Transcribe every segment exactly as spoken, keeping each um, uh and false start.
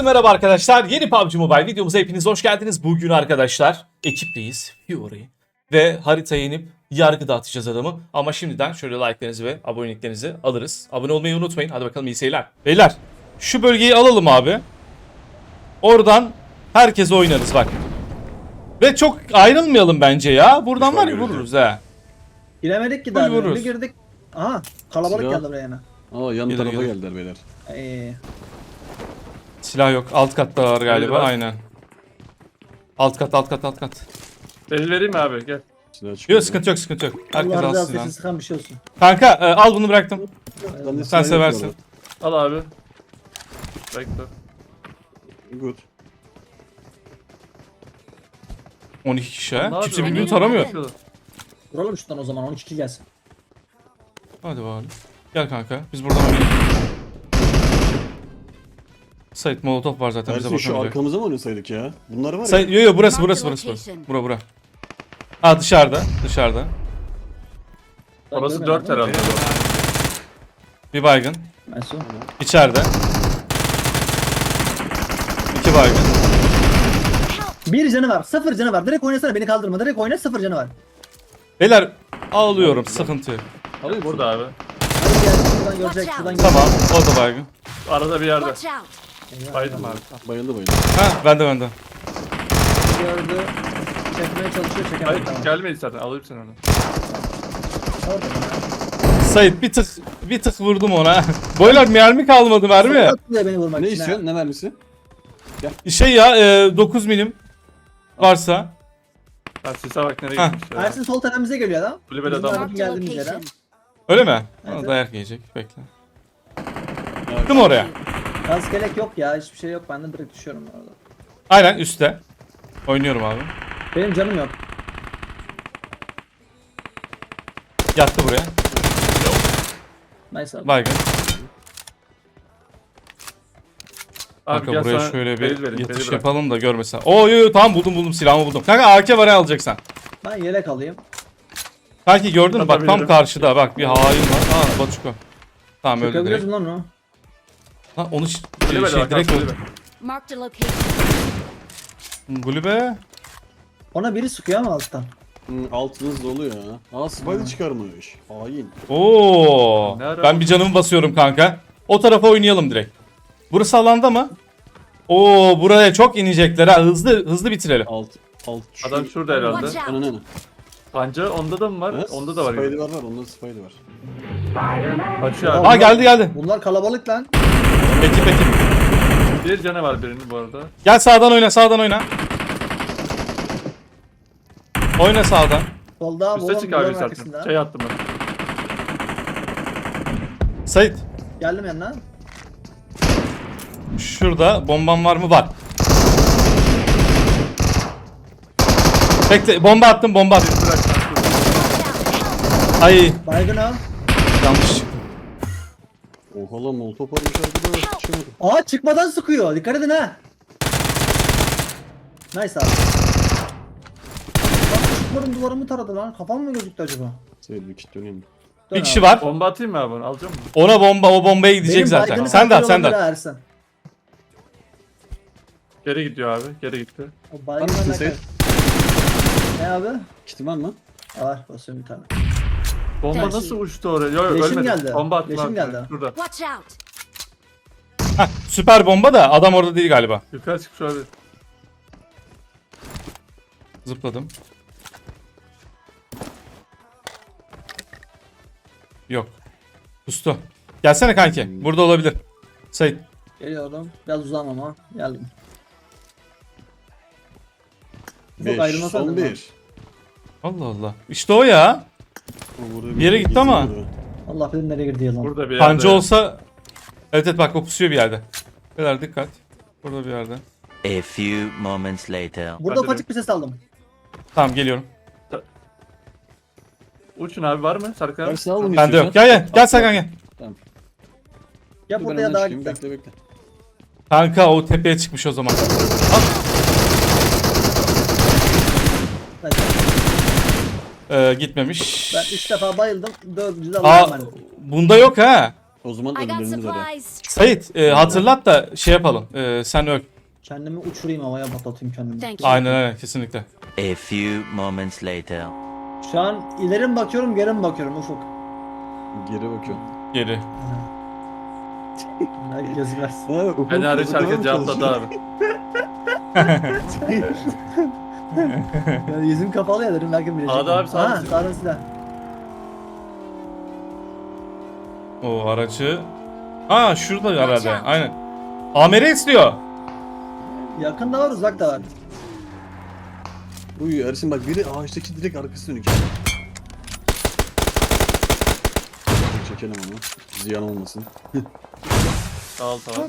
merhaba arkadaşlar. Yeni P U B G Mobile videomuza hepiniz hoş geldiniz. Bugün arkadaşlar ekipteyiz. Fury. Ve haritaya inip yargı dağıtacağız adamı. Ama şimdiden şöyle like'larınızı ve aboneliklerinizi alırız. Abone olmayı unutmayın. Hadi bakalım iyi seyirler. Beyler şu bölgeyi alalım abi. Oradan herkes oynarız bak. Ve çok ayrılmayalım bence ya. Buradan var ya vururuz ha. Giremedik ki daha. Vururuz. Bir girdik. Aha kalabalık Silah. geldi buraya yine. Aa yan Gelir, tarafa gelir. geldiler beyler. Ee, Silah yok. Alt katta var galiba. var. Aynen. Alt kat alt kat alt kat. Delil vereyim mi abi? Gel. Silah çıkıyor. Yok sıkıntı yok sıkıntı yok. Herkes Allah razı alsın olsun silahını. sıkan bir şey olsun. Kanka e, al bunu bıraktım. Ben Sen de silah yok seversin. Al abi. Bekle. bu arada. Good. on iki kişi Ne ha. yapıyor? Kimse birbirini taramıyor. Vuralım şuradan o zaman on iki kill gelsin. Hadi bakalım. Gel kanka. Biz buradan oynayalım. Sait Molotov var zaten bize Ersin şu bakamayacak. arkamıza mı oynasaydık ya? Bunlar var ya. Sait yo yo burası burası burası burası. Bura bura. Ha dışarıda dışarıda. Orası Görmedim dört ama. herhalde. Bir baygın. Ben son. İçeride. İki baygın. Bir canı var. Sıfır canı var. Direkt oynasana beni kaldırma. Direkt oyna sıfır canı var. Beyler ağlıyorum sıkıntı yok. Alayım Burada abi. Hadi gel şuradan görecek şuradan görecek. Tamam o da baygın. Arada bir yerde. Watch out! Baydım abi. Bayıldı bayıldı. Ha bende bende. Gördü. Çekmeye çalışıyor çekemedi. Hayır Tamam. gelmedi zaten. Alayım seni onu. Orada bana. Sait bir tık bir tık vurdum ona. Boylar mermi kalmadı mermi. Atlıyor beni vurmak Ne için. ha. istiyorsun? Ne mermisi? Şey ya e, dokuz milim varsa. Ben sise bak nereye Heh. gitmiş ya. Ersin sol tepemize geliyor adam. Kulübede Bizim adam var. arabamız geldiğimiz yere. Location. Öyle mi? Evet. Ona dayak yiyecek. Bekle. Evet. Gittim oraya. Gaz kelek yok ya hiçbir şey yok benden direkt düşüyorum orada. Aynen üstte. Oynuyorum abi. Benim canım yok. Yattı buraya. Nice abi. Baygın. Abi Kanka gel buraya sana şöyle delil bir vereyim, yatış delil bırak. yapalım da görmesen. Oo yo yo tamam buldum buldum silahımı buldum. Kanka A K var ya alacaksan. Ben yelek alayım. Kanki gördün mü? Bak tam Atabilirim. karşıda bak bir hain var. Aa Batuko. Tamam öldü direkt. Çökebiliyorsun lan onu. Lan onu ş- Kulübede şey bak. direkt Kulübede. öldü. Marked a location. Gulübe. Ona biri sıkıyor ama alttan. Hı, altınız dolu ya. Aa spider çıkarmış. Hain. Oo. Ne ara Ben oldu? bir canımı basıyorum kanka. O tarafa oynayalım direkt. Burası alanda mı? Oo buraya çok inecekler ha. Hızlı hızlı bitirelim. Alt. Alt. Şu... Adam şurada herhalde. Watch Ana out! ne? Panca onda da mı var? Evet, Onda da var. Spider gibi. var var. Onda spider var. Kaçıyor Aa abi. geldi geldi. Bunlar kalabalık lan. Ekip ekip. Bir canı var birinin bu arada. Gel sağdan oyna sağdan oyna. Oyna sağdan. Solda Üste bolon çık abi bolonun zaten. arkasında. Şey attım ben. Sait. Geldim yanına. Şurada bomban var mı? Var. Bekle bomba attım bomba attım. Bırak. Ay Baygın al. yanlış çıktı. Oha lan molotof varmış arkada. Çıkamadım. Aa çıkmadan sıkıyor. Dikkat edin ha. Nice abi. Bak çıkmadım duvarımı taradı lan. Kafam mı gözüktü acaba? Seyir bir kit döneyim. Dön Bir kişi abi. var. Bomba atayım mı abi onu? Alacak mısın? Ona bomba o bombaya gidecek Benim zaten. baygını Sen de at sen de olabilir at. ha Ersin. Geri gidiyor abi. Geri gitti. O baygın Tamam, alakalı. Seyit. Ne abi? Kitim var mı? Var basıyorum bir tane. Bomba Tersi. nasıl uçtu oraya? Yok yok Leşim ölmedi. geldi. Bomba attım Leşim abi. geldi. Şurada. Watch out! Heh, süper bomba da adam orada değil galiba. Yukarı çıkmış abi. Zıpladım. Yok. Kustu. Gelsene kanki. Burada olabilir. Sait. Geliyorum. Biraz uzağım ama. Geldim. Çok beş. ayrılmasaydım Son lan. bir. Allah Allah. İşte o ya. O burada Bir yere gitti ama. geziyordu. Allah bilir nereye girdi yılan. Burada bir yerde. Pancı olsa... Evet evet bak o pusuyor bir yerde. Beyler dikkat. Burada bir yerde. A few moments later. Burada Hadi ufacık bir ses aldım. Tamam geliyorum. Uçun abi var mı? Serkan abi. Ersin al bunu Bende yok. istiyorsan. Gel gel. Gel Serkan gel. Ya Dur, burada ben ya önden daha çıkayım. gitti. Bekle bekle. Kanka o tepeye çıkmış o zaman. Ben, Ee, gitmemiş. ben üç defa bayıldım. Dördüncü de Aa, Allah'a emanet. bunda yok ha. O zaman I got ölümlerimiz öyle. supplies. Sait e, hatırlat da şey yapalım. E, sen öl. Kendimi uçurayım havaya patlatayım kendimi. Thank you. Aynen aynen kesinlikle. A few moments later. Şu an ileri mi bakıyorum geri mi bakıyorum Ufuk? Geri bakıyorum. Geri. Ay, Gözü versin. Ha, ufuk Ben hariç ufuk herkes devam cevapladı çalışıyor. abi. Yani yüzüm kapalı ya dedim belki bilecek. Sağda abi, sağda Ha silah. sağda silah. O aracı. Aa şurada herhalde. Aynen. Amere istiyor. Yakında var uzakta var. Uy Ersin bak biri ağaçtaki direkt arkası dönük. Çekelim onu. Ziyan olmasın. Sağ ol tamam.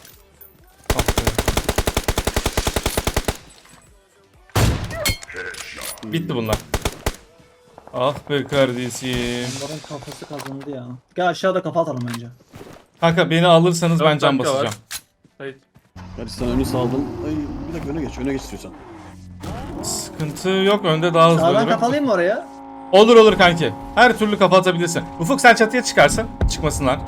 Bitti bunlar. Ah be kardeşim. Onların kafası kazındı ya. Gel aşağıda kafa atalım bence. Kanka beni alırsanız ben Dört can dakika var. basacağım. Hayır. Ersin sen önü saldın. Ay bir dakika öne geç öne geç istiyorsan. Sıkıntı yok, önde daha hızlı Sağdan olurum. kafalayayım mı oraya? Olur olur kanki. Her türlü kafa atabilirsin. Ufuk sen çatıya çıkarsın. Çıkmasınlar.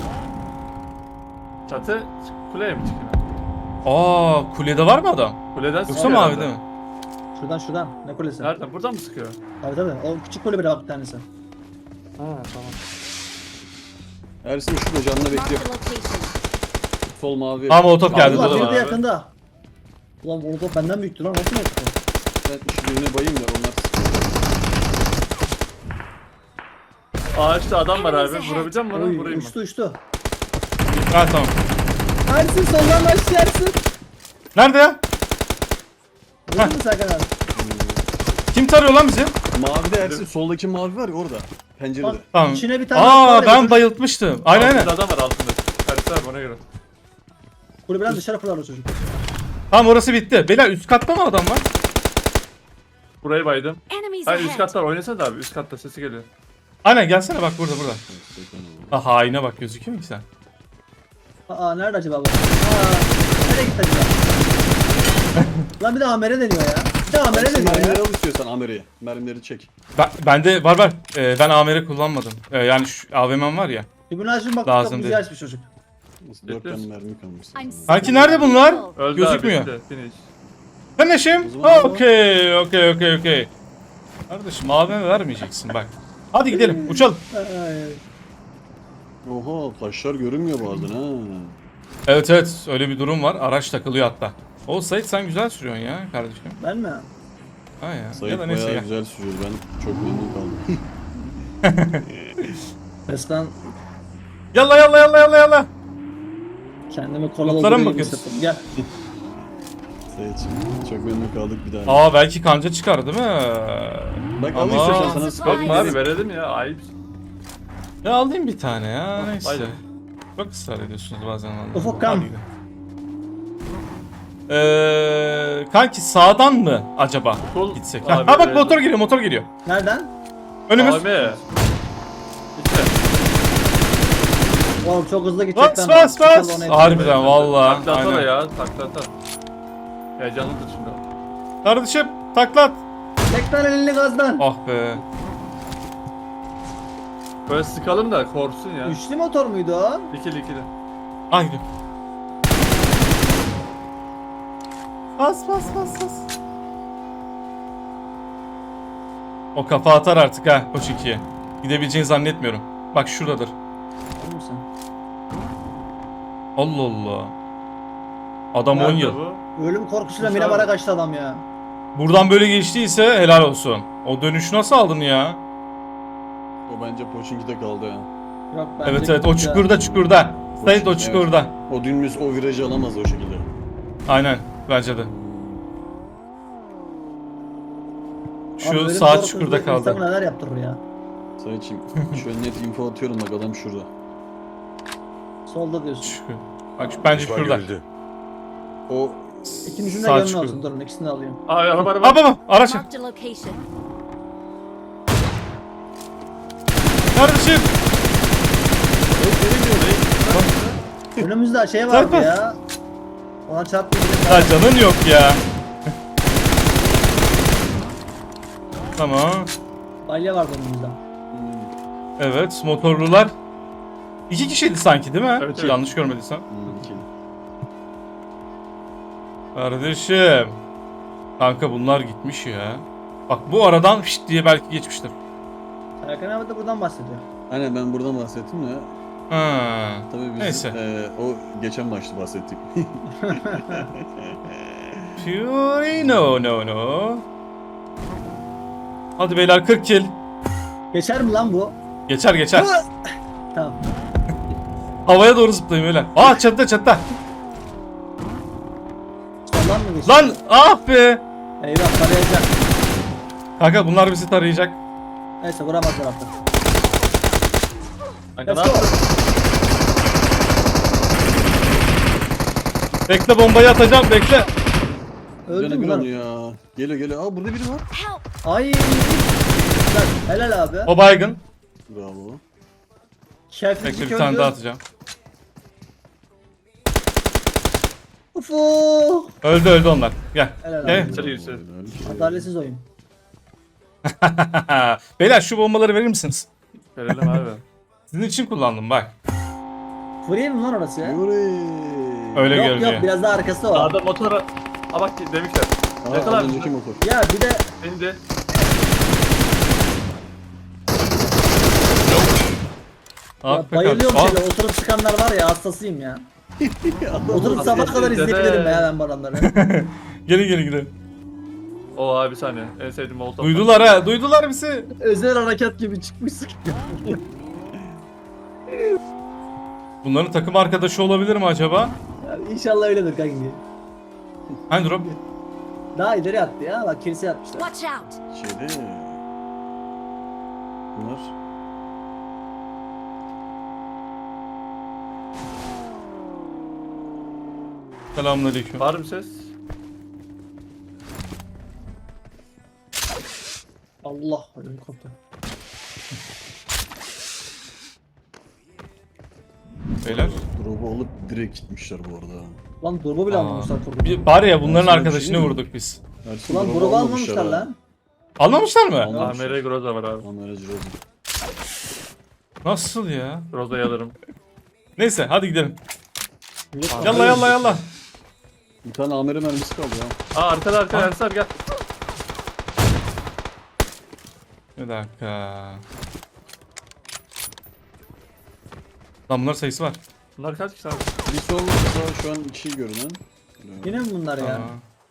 Çatı kuleye mi çıkıyor? Aa kulede var mı adam? Kuleden Yoksa sıkıyor mavi herhalde. değil mi? Şuradan şuradan. Ne kulesi? Nereden? Buradan mı sıkıyor? Tabii tabii. O küçük kulübede bak bir tanesi. Ha tamam. Ersin şurada canına Marked bekliyor. a location. Sol mavi. Ama o top geldi. Ulan dur. biri de abi. yakında. Ulan o top benden büyüktü lan. Nasıl yaptı? Ben şu birine bayayım da onlar. Ağaçta adam var abi. Enemies Vurabilecek misin bana? Oy, Vurayım mı? uçtu uçtu. Ha tamam. Ersin soldan başlayarsın. Nerede ya? Vurdun mu Serkan abi? Kim tarıyor lan bizi? Mavi de Ersin soldaki mavi var ya orada. Pencerede. Bak Tamam. içine bir tane var Aa ya, ben götür. bayıltmıştım. Aynen aynen. Altında adam var altında. Tersi abi ona göre. Kulübeden dışarı fırlar o çocuk. Tamam orası bitti. Beyler üst katta mı adam var? Burayı baydım. Enemies Hayır üst ahead. katlar oynasana da abi üst katta sesi geliyor. Aynen gelsene bak burada burada. Ha haine bak gözüküyor mu ki sen? Aa nerede acaba bu? Aa nereye gitti acaba? Lan bir de Amer'e deniyor ya. Bir de Amer'e Ersin deniyor mermileri ya. al istiyorsan Ameri'ye. Mermileri çek. Ben, bende var var. Ee, ben A M R kullanmadım. Ee, yani şu A V M'm var ya. Tribünü açın bak Lazım kapıyı değil. açmış çocuk. Nasıl dört tane mermi kalmış. I'm Kanki nerede bunlar? Öldü Gözükmüyor. abi bitti. Finish. Sen eşim? O zaman- Okey okey okey okey. Kardeşim A V M vermeyeceksin bak. Hadi gidelim uçalım. Ay, Oha taşlar görünmüyor bazen ha. Evet evet öyle bir durum var. Araç takılıyor hatta. O Sait sen güzel sürüyorsun ya kardeşim. ben mi? Ha ya. ya Sayık da neyse bayağı ya. güzel sürüyor. Ben çok memnun kaldım. Resmen Yalla yalla yalla yalla yalla. kendimi kola Notlara mı doldurayım bakıyorsun? hissettim. Gel. Sayıkçım çok memnun kaldık bir daha. Aa belki kanca çıkar değil mi? Bak al Ama- istiyorsan sana Surprise. sıkar. Bakma abi verelim ya ayıp. Ya alayım bir tane ya neyse. Aynen. Çok ısrar ediyorsunuz bazen vallahi. Ufuk, kam. Hadi gidelim. Ee, kanki sağdan mı acaba Sol- gitsek? Abi, Ha, ha bak evet. motor geliyor motor geliyor. Nereden? Önümüz. Abi. İşte. Oğlum çok hızlı Bas gidecekler. bas bas. Harbiden valla. Takla atsana Aynen. ya takla atsana. Heyecanlıdır şimdi. Kardeşim taklat. Tek tane elini gazdan. Ah be. Böyle sıkalım da korksun ya. Üçlü motor muydu o? İkili ikili. Ah gidiyor. Bas bas bas bas. O kafa atar artık ha Koç ikiye. Gidebileceğini zannetmiyorum. Bak şuradadır. Değil misin? Allah Allah. Adam on Nerede yıl. bu? Ölüm korkusuyla Kusura minibara bak. kaçtı adam ya. Buradan böyle geçtiyse helal olsun. O dönüşü nasıl aldın ya? O bence Pochinki'de kaldı ya. Yok bence Evet evet o gitti ya. çukurda çukurda. Sait o Evet. çukurda. O dümdüz o virajı alamaz o şekilde. Aynen bence de. Abi Şu ölüm saat korkusu çukurda insanı kaldı. neler yaptırır ya. Sayıçım şu an net info atıyorum bak adam şurada. Solda diyorsun. Çukur. Bak şu- bence şurada. O İkinizin de Sağ gönlü çukur. olsun. Durun ikisini de alayım. Abi araba araba. Aa baba araç. Marked a location. Kardeşim. Önümüzde şey vardı Zaten- ya. Ona çarptı. Ya canın yok ya. Tamam. Balya vardı önümüzde. Evet motorlular. İki kişiydi sanki değil mi? Evet, evet. Yanlış görmediysem. Hmm, iki. Kardeşim. Kanka bunlar gitmiş ya. Bak bu aradan şşt diye belki geçmiştir. Serkan abi de buradan bahsediyor. Aynen ben buradan bahsettim de. Ha. Tabii biz Neyse. e, o geçen maçta bahsettik. Fury no no no. Hadi beyler kırk kill. Geçer mi lan bu? Geçer geçer. Tamam. Havaya doğru zıplayın beyler. Aa çatıda çatıda. Soldan mı geçer? Lan ah be. Eyvah tarayacak. Kanka bunlar bizi tarayacak. Neyse vuramazlar artık. Kanka ne Let's go. yapıyorsun? Bekle bombayı atacağım bekle. Öldü Canı mü bir lan? onu ya. Geliyor geliyor. Aa burada biri var. Help! Ay. Lan, helal abi. O baygın. Bravo. Şerefsiz Bekle bir öldü. tane daha atacağım. Ufu. Öldü öldü onlar. Gel. Helal Gel. abi. İçeri girsin. Adaletsiz oyun. Beyler şu bombaları verir misiniz? Verelim abi. Sizin için kullandım bak. Free mi lan orası ya? Yuri. Öyle Yok görünüyor. yok biraz daha arkası o. Sağda motora... Aa bak demişler. Aa, Yakala az abi. önceki motor. Ya bir de Beni de. Ah ya be bayılıyorum kardeşim. şöyle oturup çıkanlar var ya hastasıyım ya. Oturup sabah kadar Dede. izleyebilirim ya ben bu adamları. Gelin gelin gidelim. O abi bir saniye. En sevdiğim molotov. Duydular ha. Duydular bizi. Özel harekat gibi çıkmışsın. Bunların takım arkadaşı olabilir mi acaba? Ya İnşallah öyledir kanki. Hani drop? Daha ileri attı ya bak kiliseye atmışlar. Watch out! Şeyde. Bunlar. Selamünaleyküm. Var mı ses? Allah ödüm koptu. Beyler. Drop'u alıp direkt gitmişler bu arada. Lan durma bile Aa. almamışlar kurdu. Bir, bari ya bunların Sana bir arkadaşını şey mi? vurduk biz. Ersin Ulan drop'u grubu almamışlar almamışlar ha. lan. Anlamışlar mı? Anlamışlar. A M R Groza var abi. Onlara Jiroz. Nasıl ya? Groza'yı alırım. Neyse hadi gidelim. Millet Yalla anlıyor. yalla yalla. Bir tane A M R mermisi kaldı ya. Aa arkada arkada Ensar gel. Bir dakika. Lan bunlar sayısı var. Bunlar kaç kişi abi? Bir son sağ şu an iki görünen. Yine mi bunlar ya? Aa,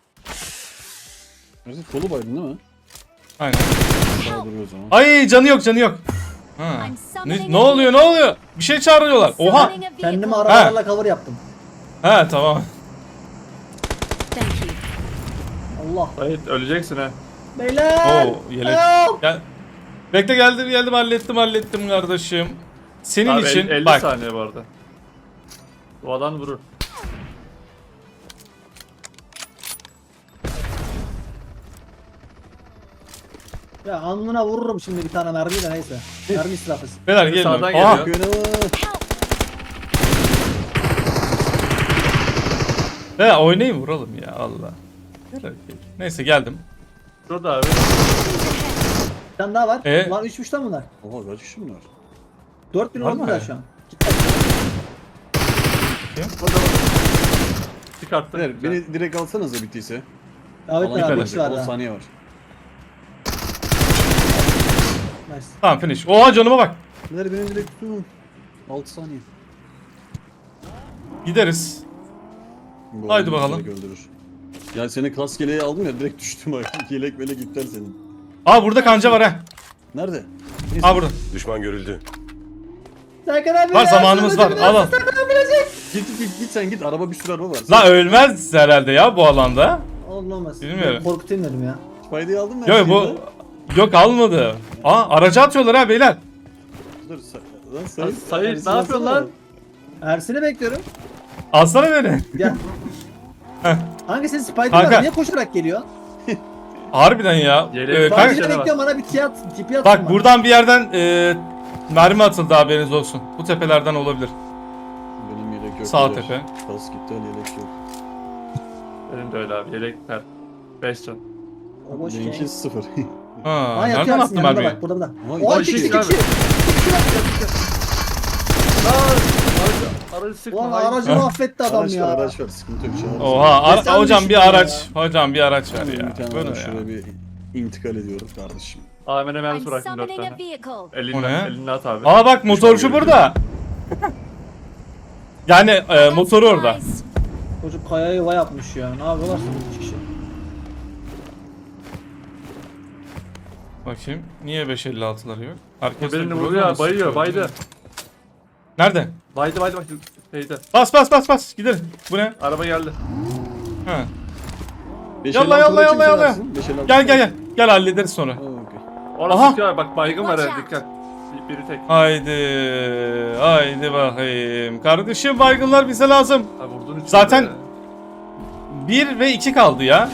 Ersin solu baydın değil mi? aynen. Daha duruyor o zaman. Ay canı yok canı yok. Ha. I'm Ne, summoning ne a oluyor ne oluyor? Bir şey çağırıyorlar. vehicle. Oha. Summoning a vehicle. Kendimi arabalarla cover yaptım. Ha tamam. Thank you. Allah. Hayır öleceksin ha. Beyler. Oo yelek. Help! Gel. Bekle geldim geldim hallettim hallettim kardeşim. Senin Abi için el- elli bak. saniye bu arada. Bu adam vurur. Ya alnına vururum şimdi bir tane mermiyle neyse. Mermi israfı. Beyler gelin. Sağdan Aha. geliyor. Göne var. He oynayayım vuralım ya Allah. Gel hadi. Neyse geldim. Şurada abi. Bir tane daha var. E? Ulan üçmüş lan bunlar. Oha kaç kişi bunlar? Dört bin Var oldu mı? da şu an. Git bak. Çıkarttım. Beyler beni direkt alsanıza bittiyse. Davet Alan abi kadar. boş ver on ya. saniye var. Nice. Tamam finish. Oha canıma bak. Beyler beni direkt tutun. altı saniye. Gideriz. Bu Haydi adamı bakalım. direkt öldürür. Ya seni kask yeleği aldım ya direkt düştüm bak. Yelek melek iptal senin. Aa burada kanca var ha. Nerede? Neyse. Aa burada. Düşman görüldü. Serkan abi. Var ya, zamanımız var. Serkan Al al. abi, Serkan abi ölecek. Git git git sen git araba bir sürü araba var. La ölmez herhalde ya bu alanda. Olmaz. Bilmiyorum. Ben korkutayım dedim ya. Faydayı aldın mı? her Yok şeyi bu lan? yok almadı. Aa aracı atıyorlar ha beyler. Dur sa- lan Lan Sayın. Sayın, Ersin ne yapıyorsun alsana. lan? Ersin'i bekliyorum. Alsana beni. Gel. Heh. Hangi senin Spider Kanka. var? Niye koşarak geliyor? Harbiden ya. Yeleği Ee, var. kanka, Spider'i var. bekliyorum bana bir tiyat, tipi atsın bak bana. buradan bir yerden e, mermi atıldı haberiniz olsun. Bu tepelerden olabilir. Benim yelek yok. Sağ beyler. tepe. Kask gitti yelek yok. Benim de öyle abi. Yelek per. beş can. O boş Benimki şey. sıfır. Ha, Aa yatıyor nereden Ersin attın yanında mermiyi? bak burada burada. Ama O iki iki kişi iki iki. abi. İki bak. Aracı, aracı sıkma. Ulan hayır. aracı mahvetti adam Araç ya. var araç var sıkıntı yok. Şey Oha ara- sen hocam düşün bir ya. araç. Hocam bir araç ver Bir ya. tane Bu ne araç ya? şuraya bir intikal ediyorum kardeşim. A V M mermisi I'm bıraktım dört summoning a tane. vehicle. Elini, O ne? elini at abi. Aa bak motorcu burada. Yani e, motoru orada. Supplies. Çocuk kayaya yuva yapmış ya. Ne yapıyorlar üç kişi? Bakayım. Niye beş elli altıları yok? Herkes de Birini Groza vuruyor, mı bayıyor, sıkıyor? baydı. Nerede? Baydı baydı bak. Şeyde. Bas bas bas bas. Gidelim. Bu ne? Araba geldi. Ha. beş Yalla, elli altı yalla, kimse yalla, yalla. versin, beş elli altı Gel gel gel. Gel hallederiz sonra. Ha, okey. Orası Aha. sıkıyor bak baygın var Watch evde out. dikkat. Bir- Biri tek. Haydi. Haydi bakayım. Kardeşim baygınlar bize lazım. Ha vurdun üç. Zaten- bir ve iki kaldı ya.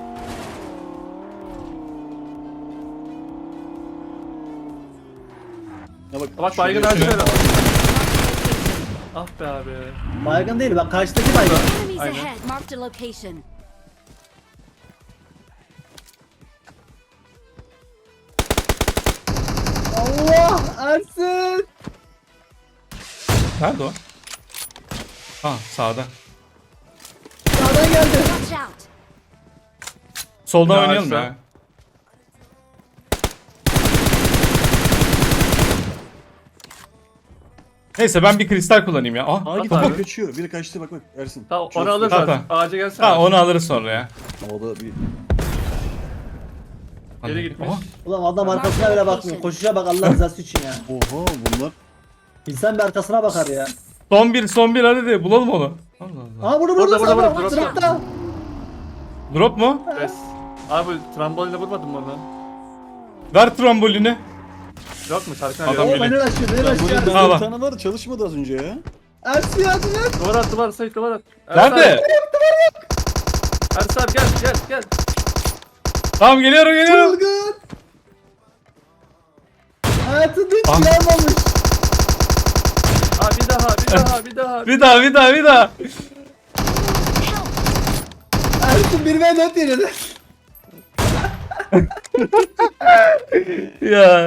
Ya bak, Bak şuraya- baygın her şuraya- şey. Ah be abi. Baygın değil bak karşıdaki baygın. Enemies Aynen. ahead. Marked a location. Allah Ersin. Nerede o? Ha sağda. Sağdan geldi. Watch out. Soldan Bir daha oynayalım aşağı. ya. Neyse ben bir kristal kullanayım ya. Ah, Aa At gitti biri abi. kaçıyor. Biri kaçtı bak bak Ersin. Tamam Çok- onu alırız Tamam, artık. Ağaca gelsene. ha onu alırız sonra ya. O da bir Geri gitmiş. Aha. Ulan adam arkasına bile bakmıyor. Koşuşa bak Allah rızası için ya. oha bunlar. İnsan bir arkasına bakar ya. Son bir son bir hadi de bulalım onu. Allah Allah. Aha bunu Burada, burada burada, burada burada, burada. burada. Dropta. Drop mu? Bes. Abi trambolinle vurmadın mı onu? Ver trambolini. Yok mu Serkan Adam Adam Oo geliyor. beni açıyor beni Burada açıyor. Ha, bir bak. tane var çalışmadı az önce ya. Ersin yardım et. Duvar at duvar Sait duvar at. Ersin Nerede? abi, Ersin abi gel gel gel. Tamam geliyorum geliyorum. Çılgın. Hayatında hiç Ah. yanmamış. Ha bir daha bir daha bir daha. Bir daha bir daha bir daha. Ersin bir ve dört yenildi. Ya.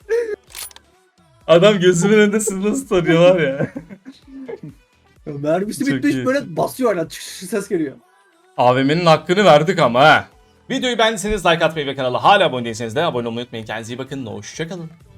Adam gözümün önünde siz nasıl tanıyor var ya. Mermisi Çok bitmiş iyi. böyle basıyor hala çık çık ses geliyor. A V M'nin hakkını verdik ama ha. Videoyu beğendiyseniz like atmayı ve kanala hala abone değilseniz de abone olmayı unutmayın. Kendinize iyi bakın. Hoşçakalın.